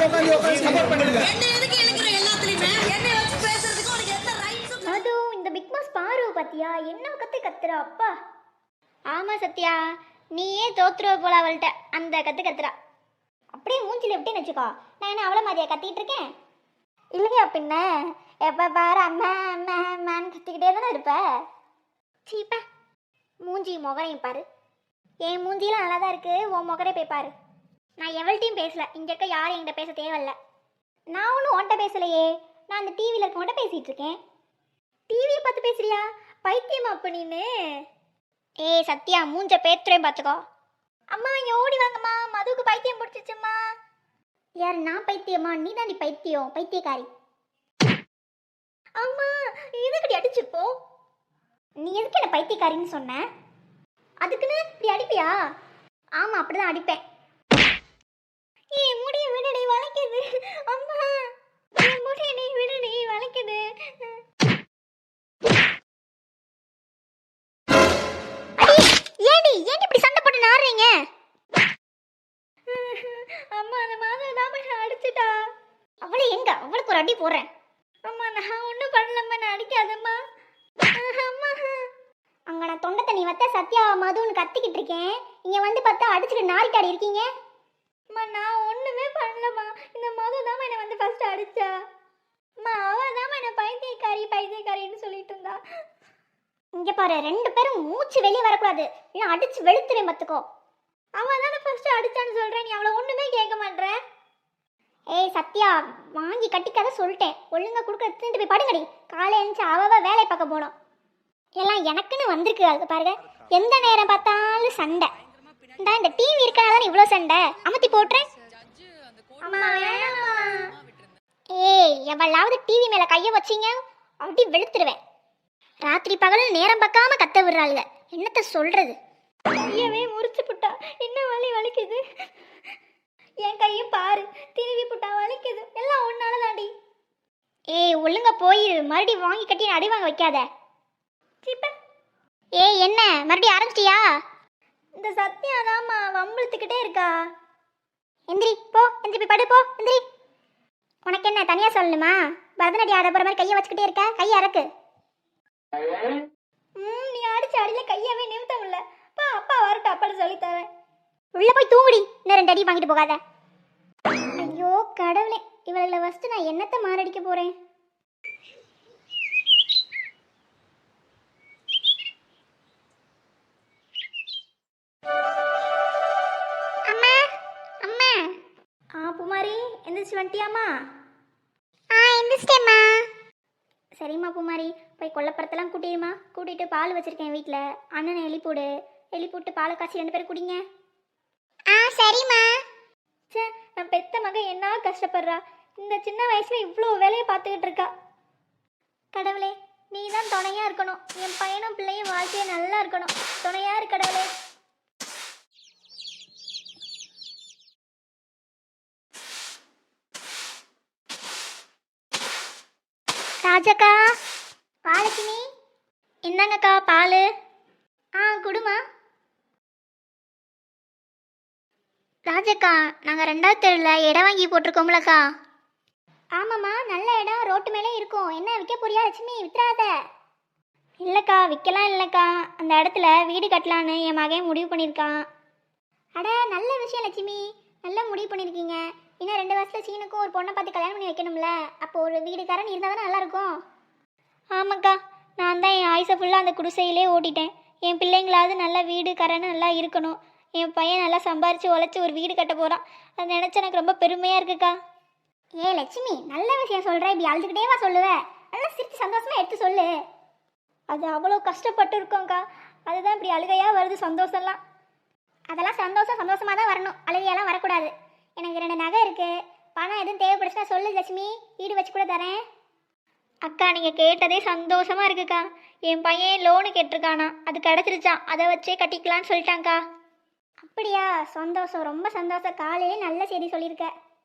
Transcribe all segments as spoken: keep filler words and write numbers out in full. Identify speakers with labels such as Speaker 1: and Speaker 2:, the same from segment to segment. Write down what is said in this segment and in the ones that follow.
Speaker 1: உட்காந்து உட்காந்து சப்போர்ட் பண்ணுங்க.
Speaker 2: என்ன எதுக்கு இழுக்குற எல்லாத்துலயுமே? என்ன வச்சு பேசுறதுக்கு உனக்கு எந்த ரைட்ஸும்?
Speaker 3: அது இந்த பிக் பாஸ் பாரு பாத்தியா என்ன கத்து கத்துறா அப்பா. ஆமா சத்யா, நீயே தோத்துருவ போல அவள்கிட்ட அந்த கத்து கத்துறா. அப்படியே மூஞ்சில விட்டேன்னு வச்சுக்கோ, நான் என்ன அவளை மாதிரியா கத்திட்டு இருக்கேன்? இல்லையா பின்ன எப்ப பாரு அம்மா அம்மா அம்மான்னு கத்திக்கிட்டே தானே இருப்ப. சீப்பா, மூஞ்சி முகரையும் பாரு. என் மூஞ்சியெல்லாம் நல்லா தான் இருக்கு, உன் முகரே போய் பாரு. நான் எவள்கிட்டையும் பேசல, இங்க இருக்க யாரும் என்கிட்ட பேச தேவையில்ல. நான் ஒன்றும் உன்கிட்ட பேசலையே, நான் அந்த டிவியில் இருக்கவன்ட்ட பேசிட்டு இருக்கேன். டிவியை பார்த்து பேசுறியா? பைத்தியமா அப்ப நீனு? ஏய் சத்யா, மூஞ்ச பேத்துறேன் பார்த்துக்கோ. அம்மா இங்கே ஓடி வாங்கம்மா, மதுவுக்கு பைத்தியம் பிடிச்சிச்சும்மா. யார் நான் பைத்தியமா? நீ தாண்டி பைத்தியம், பைத்தியக்காரி. அம்மா எதுக்கடி அடிச்சுப்போ? நீ எதுக்கு என்ன பைத்தியக்காரின்னு சொன்ன? அதுக்குன்னு இப்படி அடிப்பியா? ஆமா அப்படிதான் அடிப்பேன். ஏய் முடிய விடுடி வளைக்குது. அம்மா என் முடிய நீ விடுடி வளைக்குது. ஏடி ஏன் இப்படி சண்டை போட்டு நாடுறீங்க? அம்மா அந்த மாதிரி தான் நான் அடிச்சிட்டா. அவளை எங்க? அவளுக்கு ஒரு அடி போடுறேன். அம்மா நான் ஒன்றும் பண்ணலம்மா, நான் அடிக்காதம்மா. அம்மா அங்க நான் தொண்டை தண்ணி வத்த சத்யா மதுன்னு கத்திக்கிட்டு இருக்கேன், இங்க வந்து பார்த்தா அடிச்சுட்டு நாரிட்டாடி இருக்கீங்க. அம்மா நான் ஒண்ணுமே பண்ணலம்மா, இந்த மது தான் என்னை வந்து ஃபர்ஸ்ட் அடிச்சா. அம்மா அவ தான் என்ன பைத்தியக்காரி பைத்தியக்காரின்னு சொல்லிட்டு இருந்தா. இங்க பாரு, ரெண்டு பேரும் மூச்சு வெளியே வரக்கூடாது, இல்லை அடிச்சு வெளுத்துறேன் பார்த்துக்கோ. அவ தானே ஃபர்ஸ்ட் அடிச்சான்னு சொல்றேன், நீ அவளை ஒண்ணுமே கேட்க மாட்ற. ஏய் சத்யா, வாங்கி கட்டிக்காத சொல்லிட்டேன், ஒழுங்கா கொடுக்க எடுத்துட்டு போய் படுங்கடி. காலை எழுந்துச்சு அவ வேலையை பார்க்க போனோம். எல்லாம் எனக்குன்னு வந்திருக்கு. அதுக்கு பாருங்க, எந்த நேரம் பார்த்தாலும் சண்டை. இந்த இந்த டிவி இருக்கனால இவ்வளோ சண்டை. அமர்த்தி போட்டுறேன். ஏய் எவளாவது டிவி மேல கைய வச்சிங்க அப்படி வெளுத்துருவேன். ராத்திரி பகல் நேரம் பார்க்காம கத்த விடுறாளுங்க, என்னத்த சொல்றது? கையவே முறிச்சு புட்டா, என்ன வலி வலிக்குது. என் கையும் பாரு, திருவி புட்டா வலிக்குது. எல்லாம் ஒன்னால தாண்டி. ஏய் ஒழுங்கா போய் மறுபடி வாங்கி கட்டி அடி வாங்க வைக்காத. ஏய் என்ன மறுபடியும் ஆரம்பிச்சிட்டியா? இந்த சத்யாதாம்மா வம்பிழுத்துக்கிட்டே இருக்கா. எந்திரி போ, எந்திரி போய் படு போ, எந்திரி. உனக்கு என்ன தனியா சொல்லணுமா? பரதநாட்டியம் ஆட போற மாதிரி கையை வச்சுக்கிட்டே இருக்க, கையை அறக்கு. ம் நீ அடிச்ச அடியில கையாவே நிமித்த முடியல. பா அப்பா வரட்டும், அப்பாட சொல்லி தரேன். உள்ள போய் தூங்குடி, இன்னும் ரெண்டு அடி வாங்கிட்டு போகாத. ஐயோ கடவுளே, இவளை ஃபர்ஸ்ட் நான் என்னத்தை மாரடிக்க போறேன்? அம்மா அம்மா. ஆ பூமாரி எந்திரிச்சு வந்துட்டியாம்மா? ஆ எந்திரிச்சிட்டேம்மா. சரிம்மா பூமாரி, போய் கொல்லப்புறத்தெல்லாம் கூட்டிடுமா. கூட்டிகிட்டு பால் வச்சுருக்கேன் வீட்டில், அண்ணனை எலி போடு. எலி போட்டு பாலை காய்ச்சி ரெண்டு பேரும் குடிங்க. ஆ சரிம்மா. சே நான் பெத்த மகன் என்ன கஷ்டப்படுறா, இந்த சின்ன வயசில் இவ்வளோ வேலையை பார்த்துக்கிட்டு இருக்கா. கடவுளே நீ தான் துணையாக இருக்கணும், என் பையனும் பிள்ளையும் வாழ்க்கையை நல்லா இருக்கணும். துணையாக இரு கடவுளே. ராஜக்கா, பாலக்கினி என்னங்கக்கா பால்? ஆ குடுமா. ராஜக்கா நாங்கள் ரெண்டாவது தெருவில் இடம் வாங்கி போட்டிருக்கோம்லக்கா. ஆமாம்மா நல்ல இடம், ரோட்டு மேலே இருக்கும். என்ன விற்க போறியா லட்சுமி? வித்துறாத. இல்லைக்கா விற்கலாம் இல்லைக்கா, அந்த இடத்துல வீடு கட்டலான்னு என் மகன் முடிவு பண்ணியிருக்கான். அட நல்ல விஷயம் லட்சுமி, நல்லா முடிவு பண்ணியிருக்கீங்க. இன்னும் ரெண்டு வருஷத்துல சீனுக்கும் ஒரு பொண்ணை பார்த்து கல்யாணம் பண்ணி வைக்கணும்ல, அப்போ ஒரு வீடுக்காரன் இருந்தால் தானே நல்லாயிருக்கும். ஆமாக்கா, நான் தான் என் ஆயுசை ஃபுல்லாக அந்த குடிசையிலே ஓட்டிட்டேன். என் பிள்ளைங்களாவது நல்லா வீடுக்காரன்னு நல்லா இருக்கணும். என் பையன் நல்லா சம்பாரித்து உழைச்சி ஒரு வீடு கட்ட போகிறான். அதை நினச்சா எனக்கு ரொம்ப பெருமையாக இருக்குக்கா. ஏ லட்சுமி நல்ல விஷயம் சொல்கிறேன், இப்படி அழுதுகிட்டேவா சொல்லுவேன்? நல்லா சிரித்து சந்தோஷமாக எடுத்து சொல்லு. அது அவ்வளோ கஷ்டப்பட்டு இருக்கோங்க்கா, அதுதான் இப்படி அழுகையாக வருது சந்தோஷம்லாம். அதெல்லாம் சந்தோஷம் சந்தோஷமாக தான் வரணும், அழுகையெல்லாம் வரக்கூடாது. எனக்கு ரெண்டு நகை இருக்குது, பணம் எதுவும் தேவைப்படுச்சுன்னா சொல்லு லட்சுமி, வீடு வச்சு கூட தரேன். அக்கா நீங்கள் கேட்டதே சந்தோஷமாக இருக்குக்கா. என் பையன் லோனு கேட்டிருக்கானா, அது கிடச்சிருச்சான், அதை வச்சே கட்டிக்கலான்னு சொல்லிட்டாங்க்கா. அப்படியா, சந்தோஷம், ரொம்ப சந்தோஷம். காலையிலே நல்ல செய்தி சொல்லியிருக்க.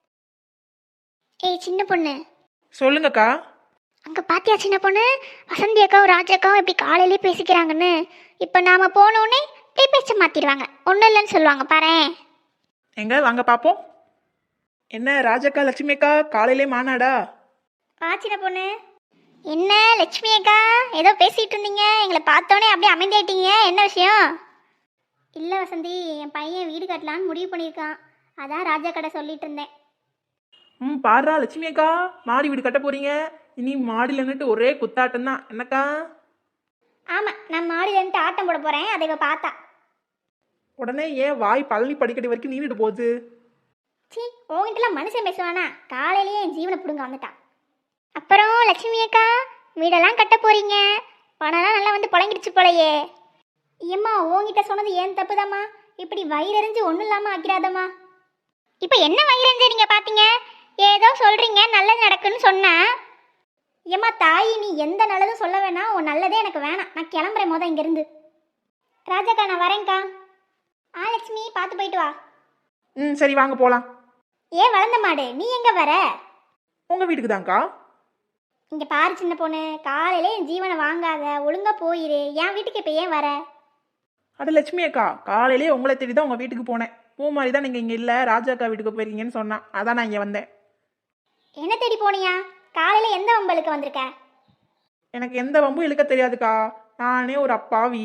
Speaker 3: ஏய் சின்ன பொண்ணு.
Speaker 1: சொல்லுங்கக்கா.
Speaker 3: அங்கே பாத்தியா சின்ன பொண்ணு, வசந்தி அக்காவும் ராஜாக்காவும் எப்படி காலையிலே பேசிக்கிறாங்கன்னு. இப்போ நாம் போனோடனே இப்படி பேச்ச மாற்றிடுவாங்க, ஒன்றும் இல்லைன்னு சொல்லுவாங்க பாரு.
Speaker 1: எங்க வாங்க பார்ப்போம். என்ன ராஜக்கா லட்சுமி அக்கா காலையிலே மாநாடா?
Speaker 3: வா சின்ன பொண்ணு. என்ன லட்சுமி அக்கா ஏதோ பேசிட்டு இருந்தீங்க, எங்களை பார்த்தோன்னே அப்படியே அமைதியாயிட்டீங்க, என்ன விஷயம்? இல்லை வசந்தி, என் பையன் வீடு கட்டலான்னு முடிவு பண்ணியிருக்கான், அதான் ராஜா கடை சொல்லிட்டு இருந்தேன்.
Speaker 1: ம் பாடுறா லட்சுமி அக்கா, மாடி வீடு கட்ட போறீங்க. இனி மாடியில் நின்றுட்டு ஒரே குத்தாட்டம் தான் என்னக்கா?
Speaker 3: ஆமாம், நான் மாடியிலேருந்து ஆட்டம் போட போகிறேன், அதை இவ பார்த்தா.
Speaker 1: உடனே ஏன் வாய் பழனி படிக்கட்டு வரைக்கும் நீண்டுட்டு போகுது?
Speaker 3: சீ, உங்ககிட்டலாம் மனுஷன் பேசுவானா? காலையிலேயே என் ஜீவனை பிடுங்க வந்துட்டான். அப்புறம் லட்சுமி அக்கா, வீடெல்லாம் கட்ட போறீங்க, பணம்லாம் நல்லா வந்து புழங்கிடுச்சு போலையே. ஏம்மா, உங்ககிட்ட சொன்னது ஏன் தப்புதாம்மா, இப்படி வயிறறிஞ்சு ஒன்றும் இல்லாமல் ஆக்கிறாதம்மா. இப்போ என்ன வயிறறிஞ்சு நீங்கள் பார்த்தீங்க? ஏதோ சொல்கிறீங்க நல்லது நடக்குன்னு சொன்னா. ஏம்மா தாயி, நீ எந்த நல்லதும் சொல்ல வேணாம், உன் நல்லதே எனக்கு வேணாம், நான் கிளம்புறேன் மொதல் இங்கேருந்து. ராஜாக்கா நான் வரேன்க்கா. ஆ லட்சுமி, பார்த்து போயிட்டு வா.
Speaker 1: ம் சரி வாங்க போகலாம்.
Speaker 3: ஏன் வளர்ந்த மாடு, நீ எங்கே வர?
Speaker 1: உங்கள் வீட்டுக்கு தான்க்கா.
Speaker 3: இங்கே பாரு சின்ன பொண்ணு, காலையிலே என் ஜீவனை வாங்காத, ஒழுங்கா போயிரு. என் வீட்டுக்கு இப்போ ஏன் வர?
Speaker 1: அட லட்சுமி அக்கா, காலையிலே உங்களை தேடி தான் உங்கள் வீட்டுக்கு போனேன். பூ மாதிரி தான் நீங்கள் இங்கே இல்லை, ராஜா அக்கா வீட்டுக்கு போயிருக்கீங்கன்னு சொன்னான், அதான் நான் இங்கே வந்தேன்.
Speaker 3: என்ன தேடி போனியா? காலையில் எந்த வம்பலுக்கு வந்திருக்க?
Speaker 1: எனக்கு எந்த வம்பும் இழுக்க தெரியாதுக்கா, நானே ஒரு அப்பாவி.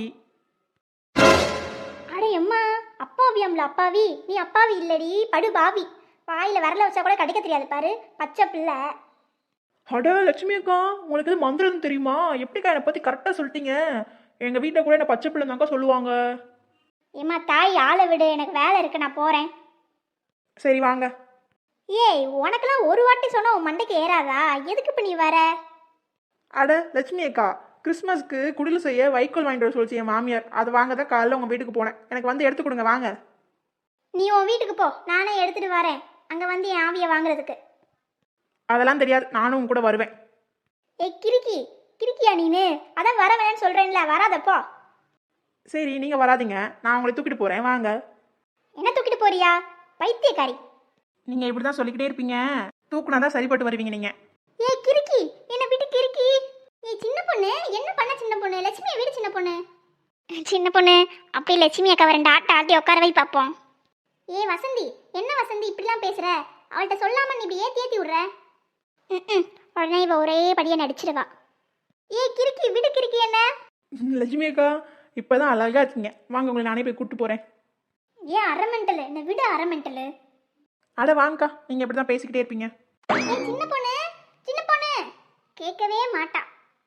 Speaker 3: அடே அம்மா, அப்பாவியாம்ல அப்பாவி? நீ அப்பாவி இல்லடி, படு பாவி. வாயில் வரல வச்சா கூட கடிக்க தெரியாது பாரு, பச்சை பிள்ளை.
Speaker 1: அட லட்சுமி அக்கா, உங்களுக்கு எது மந்திரம் தெரியுமா? எப்படிக்கா என்னை பற்றி கரெக்டாக சொல்லிட்டீங்க? எங்கள் வீட்டில் கூட என்ன பச்சை பிள்ளை தான்க்கா சொல்லுவாங்க.
Speaker 3: ஏம்மா தாய், ஆளை விடு, எனக்கு வேலை இருக்கு, நான் போகிறேன்.
Speaker 1: சரி வாங்க.
Speaker 3: ஏய், உனக்கெல்லாம் ஒரு வாட்டி சொன்னா உன் மண்டைக்கு ஏறாதா? எதுக்கு இப்போ நீ வர?
Speaker 1: அட லட்சுமி அக்கா, கிறிஸ்மஸ்க்கு குடில் செய்ய வைக்கோல் வாங்கிட்டு வர சொல்லிச்சு என் மாமியார், அது வாங்க தான் காலையில் உங்கள் வீட்டுக்கு போனேன். எனக்கு வந்து எடுத்து கொடுங்க வாங்க.
Speaker 3: நீ உன் வீட்டுக்கு போ, நானே எடுத்துட்டு வரேன், அங்கே வந்து என் ஆவியை வாங்குறதுக்கு.
Speaker 1: அதெல்லாம் தெரியாது, நானும் உங்க கூட வருவேன்.
Speaker 3: ஏய் கிறுக்கி, கிறுக்கியா நீனு? அதான் வர வேணான்னு சொல்கிறேன்ல, வராதப்போ.
Speaker 1: சரி நீங்கள் வராதீங்க, நான் உங்களை தூக்கிட்டு போகிறேன் வாங்க.
Speaker 3: என்ன தூக்கிட்டு போறியா பைத்தியக்காரி?
Speaker 1: நீங்கள் இப்படி தான் சொல்லிக்கிட்டே இருப்பீங்க, தூக்குனா தான் சரிப்பட்டு வருவீங்க நீங்கள்.
Speaker 3: ஏய் கிறுக்கி, என்ன விட்டு கிறுக்கி. ஏய் சின்ன பொண்ணு, என்ன பண்ண சின்ன பொண்ணு? லட்சுமியை வீடு சின்ன பொண்ணு. சின்ன பொண்ணு, அப்படி லட்சுமி அக்கா ரெண்டு ஆட்ட ஆட்டி உட்கார வை பார்ப்போம். ஏய் வசந்தி, என்ன வசந்தி இப்படிலாம் பேசுற? அவள்கிட்ட சொல்லாம நீ இப்படி ஏத்தி ஏத்தி விடுற. ம் உடனே இவ ஒரே படியை நடிச்சிருவா. ஏய் கிறுக்கி, விடு கிறுக்கி என்ன.
Speaker 1: லட்சுமி அக்கா இப்போ தான் அழகாக இருக்கீங்க, வாங்க உங்களை நானே போய் கூப்பிட்டு போகிறேன்.
Speaker 3: ஏன் அரை மெண்டலு, என்ன விடு அரை மெண்டலு.
Speaker 1: அட வாங்கக்கா, நீங்கள் இப்படி தான் பேசிக்கிட்டே இருப்பீங்க.
Speaker 3: ஏய் சின்ன பொண்ணு, சின்ன பொண்ணு கேட்கவே மாட்டா.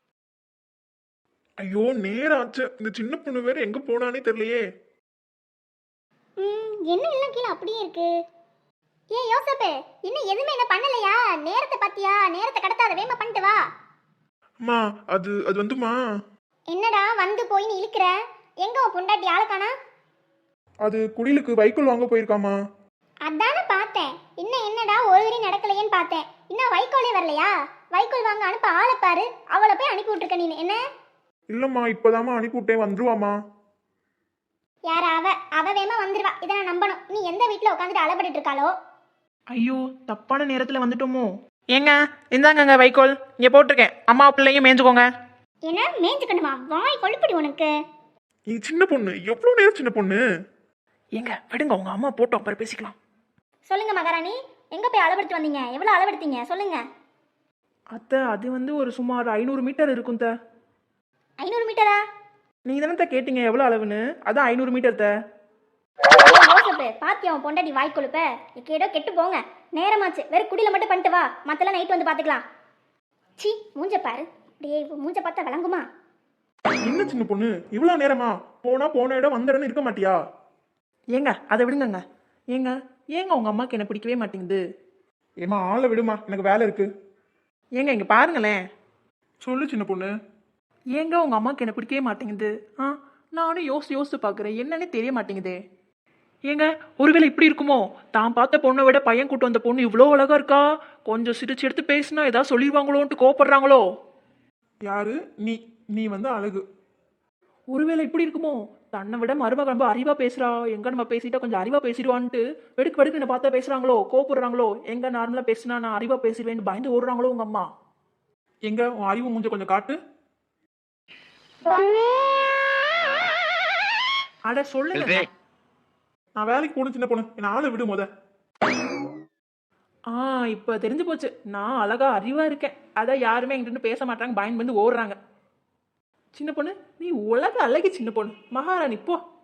Speaker 4: ஐயோ நேரம் ஆச்சு, இந்த சின்ன பொண்ணு வேற எங்க போனானே தெரியலையே.
Speaker 3: ம் என்ன எல்லாம் கீழே அப்படியே இருக்கு. ஏன் யோசப்பு, இன்னும் எதுவுமே என்ன பண்ணலையா? நேரத்தை பாத்தியா? நேரத்தை கடத்தாத, வேமா பண்ணிட்டு வா.
Speaker 4: அம்மா அது அது வந்துமா,
Speaker 3: என்னடா வந்து போய் நீ இழுக்கிற? எங்க உன் பொண்டாட்டி ஆளுக்கானா?
Speaker 4: அது குடிலுக்கு வைக்கோல் வாங்க போயிருக்காமா.
Speaker 3: அதானே பார்த்தேன், இன்னும் என்னடா ஒரு வரி நடக்கலையேன்னு பார்த்தேன். இன்னும் வைக்கோலே வரலையா? வைக்கோல் வாங்க அனுப்ப ஆளை பாரு, அவளை போய் அனுப்பி விட்டுருக்க நீ. என்ன?
Speaker 4: இல்லம்மா இப்பதாம்மா அனுப்பிவிட்டேன், வந்துருவாமா.
Speaker 3: யார அவ? அவ வேமா வந்துருவா, இதை நான் நம்பணும். நீ எந்த வீட்டில் உட்காந்துட்டு அலப்பட்டு இருக்காளோ?
Speaker 1: ஐயோ தப்பான நேரத்தில் வந்துட்டோமோ. ஏங்க இந்தாங்கங்க வைக்கோல், இங்கே போட்டிருக்கேன், அம்மா பிள்ளைங்க மேய்ஞ்சுக்கோங்க.
Speaker 3: என்ன மேய்ஞ்சுக்கணுமா? வாய் கொழுப்படி உனக்கு.
Speaker 4: நீ சின்ன பொண்ணு, எவ்வளவு நேரம் சின்ன பொண்ணு.
Speaker 1: ஏங்க விடுங்க, உங்கள் அம்மா போட்டோம் அப்புறம் பேசிக்கலாம்.
Speaker 3: சொல்லுங்க மகாராணி, எங்க போய் அளவெடுத்து வந்தீங்க? எவ்வளவு அளவெடுத்தீங்க சொல்லுங்க.
Speaker 1: அத்தை அது வந்து ஒரு சுமார் ஐநூறு மீட்டர் இருக்கும் த.
Speaker 3: ஐநூறு மீட்டரா?
Speaker 1: நீங்கள் தானே கேட்டீங்க எவ்வளோ அளவுன்னு, அதான் ஐநூறு மீட்டர் த.
Speaker 3: பாத்தியா உன் பொண்டாட்டி வாய் கொழுப்ப? கேடோ கெட்டு போங்க, நேரமாச்சு. வெறும் குடியில மட்டும் பண்ணிட்டு வா, மத்தெல்லாம் நைட் வந்து பாத்துக்கலாம். சி மூஞ்ச பாரு, அப்படியே மூஞ்ச பார்த்தா விளங்குமா?
Speaker 4: என்ன சின்ன பொண்ணு இவ்வளவு நேரமா? போனா போன இடம் வந்த இடம் இருக்க மாட்டியா?
Speaker 1: ஏங்க அதை விடுங்கங்க. ஏங்க ஏங்க உங்கள் அம்மாவுக்கு என்ன பிடிக்கவே மாட்டேங்குது.
Speaker 4: ஏமா ஆளை விடுமா, எனக்கு வேலை இருக்கு.
Speaker 1: ஏங்க இங்கே பாருங்களேன்.
Speaker 4: சொல்லு சின்ன பொண்ணு.
Speaker 1: ஏங்க உங்கள் அம்மாவுக்கு என்ன பிடிக்கவே மாட்டேங்குது? ஆ நானும் யோசிச்சு யோசிச்சு பார்க்குறேன், என்னன்னே தெரிய மாட்டேங்குதே. ஏங்க ஒருவேளை இப்படி இருக்குமோ, தான் பார்த்த பொண்ணை விட பையன் கூட்டு வந்த பொண்ணு இவ்வளோ அழகா இருக்கா, கொஞ்சம் சிரிச்சு எடுத்து பேசினா ஏதாவது சொல்லிடுவாங்களோன்ட்டு கோவப்படுறாங்களோ?
Speaker 4: யாரு நீ? நீ வந்து அழகு.
Speaker 1: ஒருவேளை இப்படி இருக்குமோ, தன்னை விட மருமக ரொம்ப அறிவா பேசுறா, எங்க நம்ம பேசிட்டா கொஞ்சம் அறிவா பேசிடுவான்ட்டு வெடுக்கு வெடுக்கு என்ன பார்த்தா பேசுறாங்களோ, கோவப்படுறாங்களோ? எங்க நார்மலா பேசினா நான் அறிவா பேசிடுவேன்னு பயந்து ஓடுறாங்களோ உங்க அம்மா?
Speaker 4: எங்க உன் அறிவு மூஞ்ச கொஞ்சம் காட்டு.
Speaker 1: அட சொல்லுங்க.
Speaker 4: நான் வேலைக்கு போகணும் சின்ன பொண்ணு, என்ன ஆளை விடு முத.
Speaker 1: ஆ இப்போ தெரிஞ்சு போச்சு, நான் அழகா அறிவா இருக்கேன், அதான் யாருமே என்கிட்ட பேச மாட்டாங்க, பயந்து வந்து ஓடுறாங்க. சின்ன பொண்ணு, நீ உலக அழகி சின்ன பொண்ணு, மகாராணி போ.